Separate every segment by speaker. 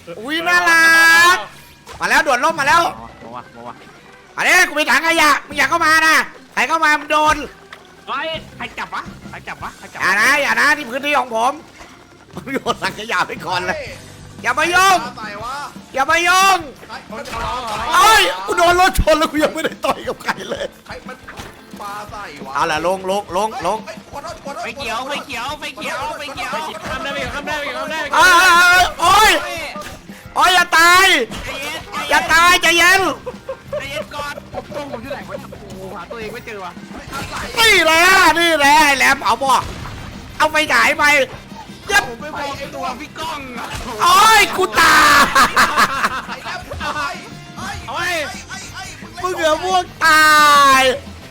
Speaker 1: อุ้ยน่ารักมาแล้วด่วนล่มมาแล้ว
Speaker 2: มา
Speaker 1: อันนี้กูมีถังขยะมึงอยากเข้ามานะใครเข้ามามึงโดน
Speaker 2: ใครจับวะ
Speaker 1: อย่านะที่พื้นที่ของผมโยนถังขยะไปก่อนเลยอย่ามายุ่งอย่ามายุ่งเอ้ยกูโดนรถชนแล้วกูยังไม่ได้ต่อยกับใครเลย
Speaker 3: ปลาใส่วะ
Speaker 1: เอาล่ะลง
Speaker 2: ไฟเขียวทำได้
Speaker 1: โอ้ยอย่าตายใจเย็น
Speaker 2: ก่อนผมอยู่ไหนวะโอ้หาตัวเองไม่เจอวะ
Speaker 1: นี่แหละไอ้แหลมเผาบ่เอาไฟฉายไปยับ
Speaker 2: ผมไม่พอตัวพี่ก้อง
Speaker 1: โอ้ยกูตายมึงเหลือพวกตาย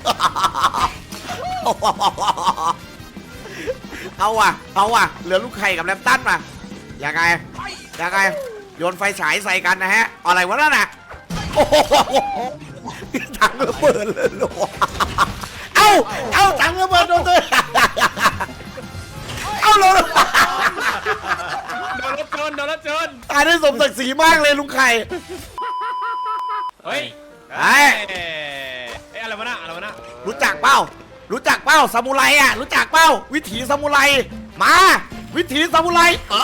Speaker 1: เอาว่ะเหลือลูกไข่กับแรมตันมายังไงโยนไฟฉายใส่กันนะฮะอะไรวะนั่นน่ะโอ้โหถังระเบิดเลยหรอเอาถังระเบิดโดนตัวเอาลง
Speaker 2: โดนรถชน
Speaker 1: ตายได้สมศักดิ์ศรีมากเลยลุงไข่
Speaker 2: เฮ้ยอะไรวะน่ะ
Speaker 1: รู้จักเป้าซามูไรอ่ะรู้จักเป้าวิถีซามูไรมาวิถีซามูไร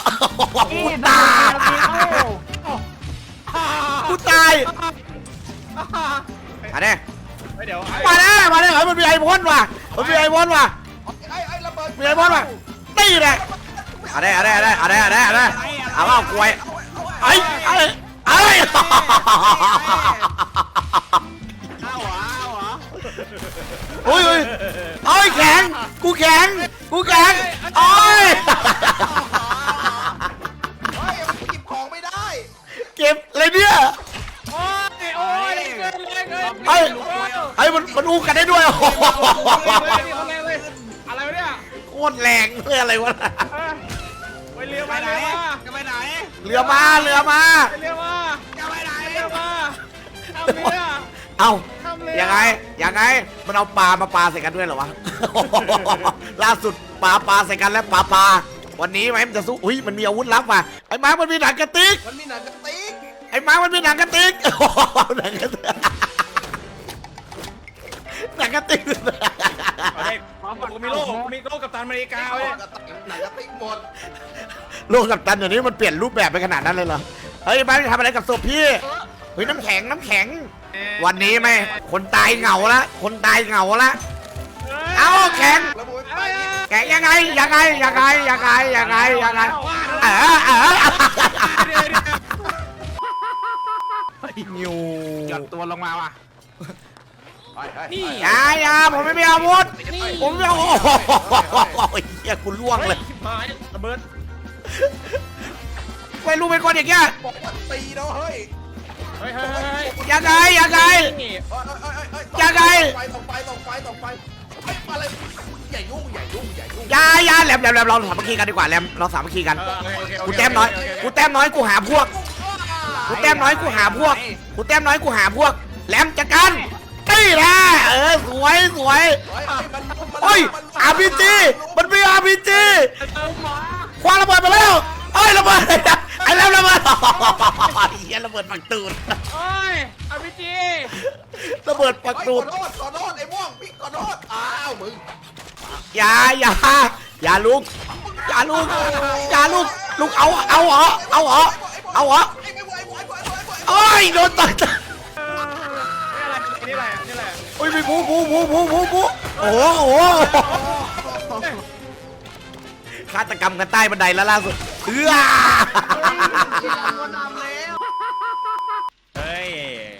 Speaker 1: กูตายอันนี้
Speaker 2: เดี๋ยว
Speaker 1: มาเฮ้ยมันมีไอพ่นว่ะมีไอพ่นว่ะตีเลยอะไรเอาว่ากล้วยไอ้โอ้ยแข็งกูแข็งโอ้ย
Speaker 3: เก็บของไม่ได้
Speaker 1: เก็บอะไรเนี่ยไอ้มันอู้กันได้ด้วย
Speaker 2: อะไรวะเนี่ย
Speaker 1: โคตรแรงเลยอะไรวะ
Speaker 2: ไปเรือมาจะไปไหน
Speaker 1: เรือมา
Speaker 2: จะไปไหน
Speaker 1: เอายังไงมันเอาปลามาปลาใส่กันด้วยเหรอวะล่าสุดปลาใส่กันแล้วปลาวันนี้ไหมมันจะสู้อุ้ยมันมีอาวุธลับว่ะไอ้ม้ามันมีหนังกระติกไอ้ม้ามันมีหนังกระติกหนังกระติก
Speaker 2: มีโลกกับตันอเมริกาเว้ย
Speaker 3: หนังกระติกหมด
Speaker 1: โลกกับตันเดี๋ยวนี้มันเปลี่ยนรูปแบบไปขนาดนั้นเลยเหรอเฮ้ยม้าจะทำอะไรกับศพพี่เฮ้ยน้ำแข็งวันนี้ไหมคนตายเหงาละเอาแข็งยังไงนิว
Speaker 2: หย่อนตัวลงมาว่ะ
Speaker 1: นี่อย่าผมไม่มีอาวุธผมไม่เอาโอ้ยเฮียกูล่วงเลย
Speaker 2: ระเบิด
Speaker 1: ไปรู้เป็นคนอย่างเงี้ย
Speaker 3: ตีแล้วเฮ้ย
Speaker 1: ยังไง
Speaker 3: ต้องไปอะไรอย่ายุ่ง
Speaker 1: อย่าแหลมเราสามัคคีกันดีกว่าแหลมเราสามัคคีกันกูแต้มน้อยกูหาพวกแหลมจัดการตีแหละสวยโอ้ยRPG มันมี RPG คว้าระเบิดไปแล้วระเบิดไอ้แล้วระเบิดเฮียระเบิดปักตูด
Speaker 2: RPG
Speaker 1: ระเบิดปักตูด
Speaker 3: ขอโทษไอ้ม่วงพี่ขอโทษมึง
Speaker 1: อย่าลุกลุกเอาเหรอโอ้ยโดนต่อย
Speaker 2: นี่แหละ
Speaker 1: โอ้ยมีบูโอ้โหฆาตกรรมกันใต้บันไดแล้วล่าสุด
Speaker 2: เฮ้ย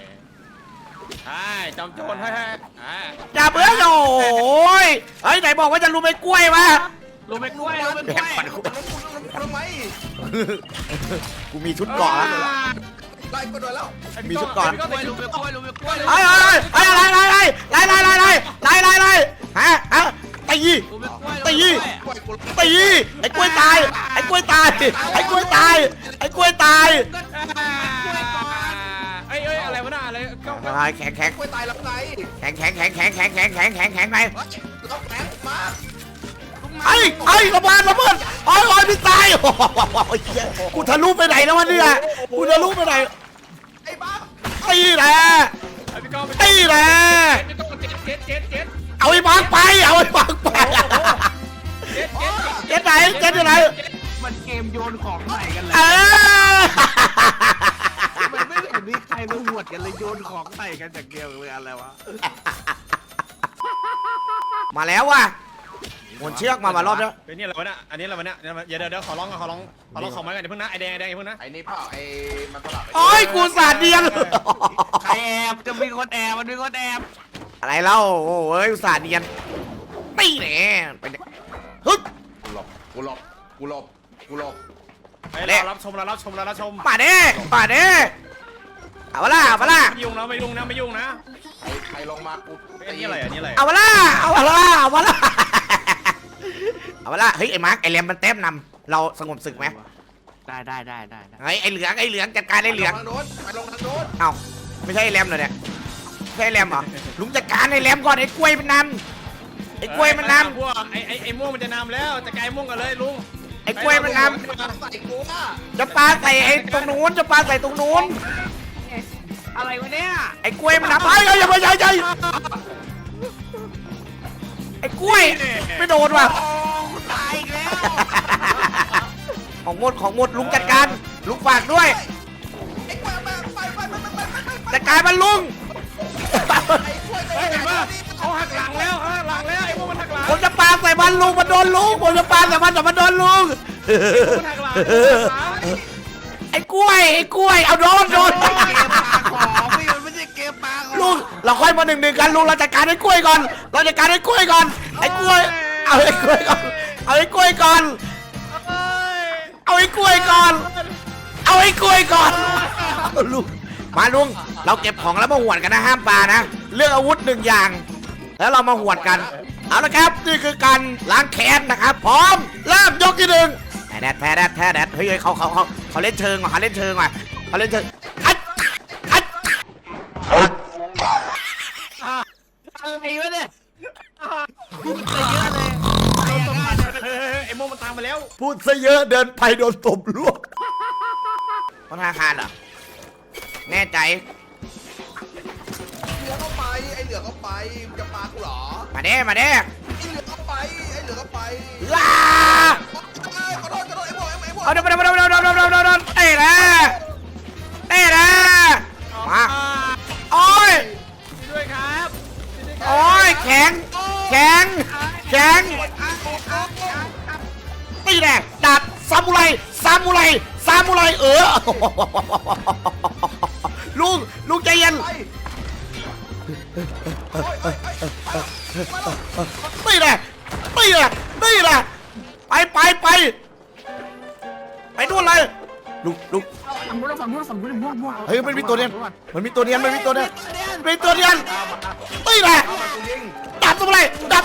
Speaker 2: จอมโจร
Speaker 1: อย่าเบื่อโอ้ยไหนบอกว่าจะรู้ไม่กล้วยวะ
Speaker 2: รู้ไม่กล้วย
Speaker 3: ทำไม
Speaker 1: กูมีชุดเกาะ
Speaker 3: ไล่ก็โดนแล้ว
Speaker 1: มีชุดเกาะ
Speaker 2: ไอ้
Speaker 1: ฮะตีไอ้กล้วยตาย
Speaker 2: อะไรวะน่ะอะไร
Speaker 1: แข็ง
Speaker 3: กล้วยตายแล้วไง
Speaker 1: แข็งไป
Speaker 3: ลูก
Speaker 1: ไอ้ระเบิดโอ้ยพี่ตายโอ้ยกูทะลุไปไหนแล้ววะเนี่ยกูทะลุไปไหน
Speaker 3: ไอ้บ้า
Speaker 1: ไอ้แหละ
Speaker 2: พี่ก้อง
Speaker 1: ไอ้แหละ
Speaker 2: พี่ก้องเจ็ด
Speaker 1: เอาไอ้มาร์กไปเอาไอ้มาร์กไป
Speaker 2: เจ็ด
Speaker 1: เจ๊ไหนเจ๊ไหน
Speaker 2: มันเกมโยนของใส่กันเลย
Speaker 1: เออ
Speaker 2: มันไม่เห็นมีใครมาหวดกันเลยโยนของใส่กันจากเดียวเลยอะไรวะ
Speaker 1: มาแล้วว่ะหมุนเชือกมารอบแล้ว
Speaker 4: เป็นนี่อะไรวะเนี่ยอันนี้อะไรวะเนี่ยเดี๋ยวขอร้องของไม้กันอย่าเพิ่งนะไอแดงอย่าเพิ่งนะ
Speaker 3: ไอ้นี่เปล่าไอ้มันสลับ
Speaker 1: โอ้ยกูสาดเดียน
Speaker 2: ใครแอบจะมีคนแอบมันมีคนแอบ
Speaker 1: อะไรเล่าโอ้ยอุตส่าห์เนียนตีแหน่ไปเนี่ยฮึด
Speaker 3: กูหลบ
Speaker 4: ไอเรารับชม
Speaker 1: มาเด้เอาละ
Speaker 4: ไม่ยุ่งนะ
Speaker 3: ใครลงมากู
Speaker 4: ไอ้นี่อะไรอันนี้อะไร
Speaker 1: เอาละเฮ้ยไอ้มาร์กไอ้แรมมันเต็มนำเราสงบศึกไหม
Speaker 2: ได้
Speaker 1: เฮ้ยไอ้เหลืองจัดการไอ้เหลือง
Speaker 3: ทางโน้นไปลงทางโน้น
Speaker 1: เอ้าไม่ใช่ไอ้แรมเหรอเนี่ยไม่ใช่ไอ้แรมเหรอลุงจัดการไอ้แรมก่อนไอ้กล้วยมันนำไอ้กล้วยมันนำ
Speaker 4: พวกไอ้ม่วงมันจะนำแล้วจะไกลม่วงกันเลยลุง
Speaker 1: ไอ้กล้วยมันน
Speaker 3: ใส่กูอ่ะ
Speaker 1: ำจะปาใส่ไอ้ตรงนู้นจะปาใส่ตรงนู้น
Speaker 2: อะไรวะเนี่ย
Speaker 1: ไอ้กล้วยมันนำไอ้อย่าไปใหญ่ไอ้กล้วยไม่โดนว่ะ
Speaker 2: โอ้ตายอีกแล้ว
Speaker 1: ของหมดลุงจัดการลุงฝากด้วย
Speaker 3: ไอ้กล้วยมาไป
Speaker 1: จัดการมันลุง
Speaker 3: ไอ้กล้วย
Speaker 4: เห็นปะเขาหักหลังแล้วไอ้ม่วงมันหักหลัง
Speaker 1: ผมจะปาใส่มันลุงมันโดนลุงผมจะปาใส่มันแต่มันโดนลุง
Speaker 4: มันหักหลัง
Speaker 1: ไอ้กล้วยเอาโดน
Speaker 2: เกมปลาของพี่มันไม่ใช่เกมปลาของ
Speaker 1: ลุงเราค่อยมา1-1กันลุงเราจัดการไอ้กล้วยก่อนไอ้กล้วยเอาไอ้กล้วยก่อนเอาไอ้กล้วยก่อนลุงมาลุงเราเก็บของแล้วมาหวดกันนะห้ามปานะเลือกอาวุธ1อย่างแล้วเรามาหวดกันเอาละครับนี่คือการล้างแค้นนะครับพร้อมเริ่มยกที่1แท้แดดเฮ้ยเขาเล่นเชิงว่ะเขาเล่นเชิงอัด
Speaker 2: อะไรวะเนี่ยพูดไปเยอะเลย
Speaker 4: ไอ้ม่วงมันตามมาแล้ว
Speaker 1: พูดซะเยอะเดินไปโดนตบลวกธนาคารเหรอแน่ใจ
Speaker 3: เหลือเข้าไปไอ้เหลือเข้าไปจะปากูเหรอ
Speaker 1: มาเด้
Speaker 3: ไอ้เหลือเข้าไป
Speaker 1: ลา
Speaker 3: ขอโทษไอ้พวก
Speaker 1: เอาเดี๋ยวเตะนะมาโอ้ย
Speaker 4: ด้วยครับ
Speaker 1: โอ้ยแข็งตีแน่ดาบซามูไรลุงใจเย็นตีแน่ไปนู่นเลยลุง
Speaker 2: ฝั่งนู้นม่วง
Speaker 1: เฮ้ยมันมีตัวเนียนตีแน่ดาบซามูไร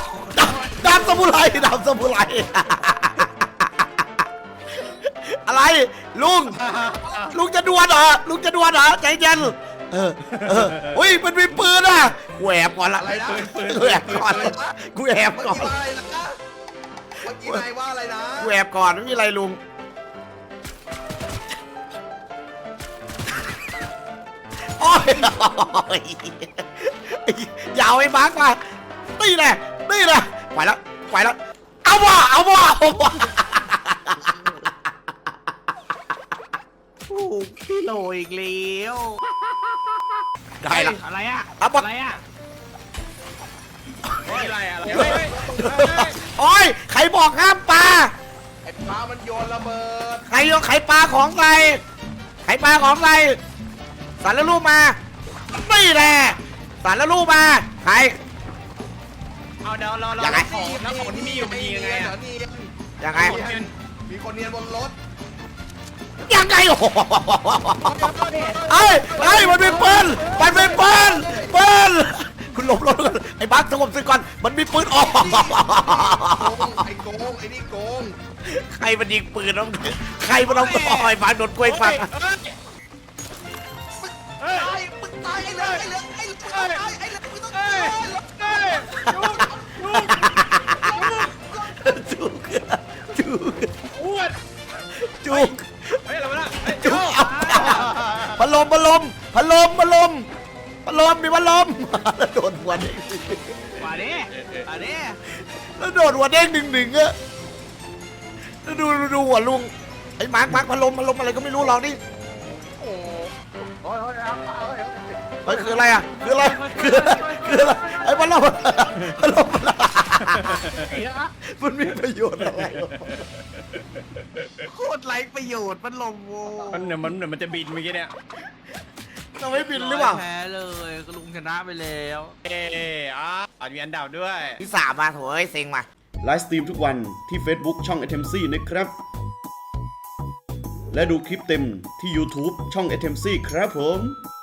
Speaker 1: อะไรลุงจะดวลเหรอใจเย็นอุ้ยมันมีปืนอ่ะกูแอบก่อนละ
Speaker 3: อะไรนะ
Speaker 1: กูแอบก่อน
Speaker 3: เมื่อกี้นายว่าอะไรนะ
Speaker 1: กูแอบก่อนไม่มีอะไรลุงโอ้ยยาวไอ้มาร์กมาตีแน่ไปแล้วเอาว่ะ
Speaker 2: โอ้พี่โลอีกแล้ว
Speaker 1: ได้ละ
Speaker 2: อะไรอ่ะ
Speaker 1: เอาปะ
Speaker 2: อะไรอ่ะ
Speaker 4: อะไร
Speaker 1: โอ้ยใครบอกห้ามปลา
Speaker 3: ไอ้ปลามันโยนระเบิด
Speaker 1: ใครปลาของใส่สารแล้วรูปมาไม่แหละสารแล้วรูปมาใคร
Speaker 4: เอาเดี๋ยวเรา
Speaker 1: ยังไง
Speaker 4: ของที่มีอยู่มันยิงยังไงอะ
Speaker 1: ยังไง
Speaker 3: มีคนเนียนบนรถ
Speaker 1: ยังไงโอ้โหเอ้ยมันเป็นปืนคุณหลบรถก่อนไอ้บักสงบศึกก่อนมันมีปืนออก
Speaker 3: ไอ้โกงไอ้นี่โกง
Speaker 1: ใครมันยิงปืนน้องใครมันเอาอ้อยฟังโดนกล้วยฟัง
Speaker 3: มึงตายไอ้เหลือมึงต้องตาย
Speaker 1: สู้ลมมีพัดลมแล้วโดนหัวเด้ง
Speaker 2: มาดิมาดิ
Speaker 1: แล้วโดนหัวเด้งหนึ่งอะแล้วดูหัวลุงไอ้มาร์คพัดลมอะไรก็ไม่รู้ลองดิ
Speaker 3: โอ้ยเอา
Speaker 1: เฮ้ยคืออะไรอะคืออะไรไอ้พัดลมมันมีประโยชน์อะไรวะ
Speaker 2: โคตรไร้ประโยชน์มันลมโว้
Speaker 4: มันจะบินเมื่อกี้เนี่ย
Speaker 1: เราไม่บินหรือเปล่า
Speaker 2: แพ้เลยก็ลุงชนะไปแล้ว
Speaker 4: อาจมีอันดับด้วย
Speaker 1: ที่สามมาโถยเซ็งมา
Speaker 5: ไลฟ์สตรีมทุกวันที่ Facebook ช่อง a t e m c นะครับ และดูคลิปเต็มที่ YouTube ช่อง a t e m c ครับผม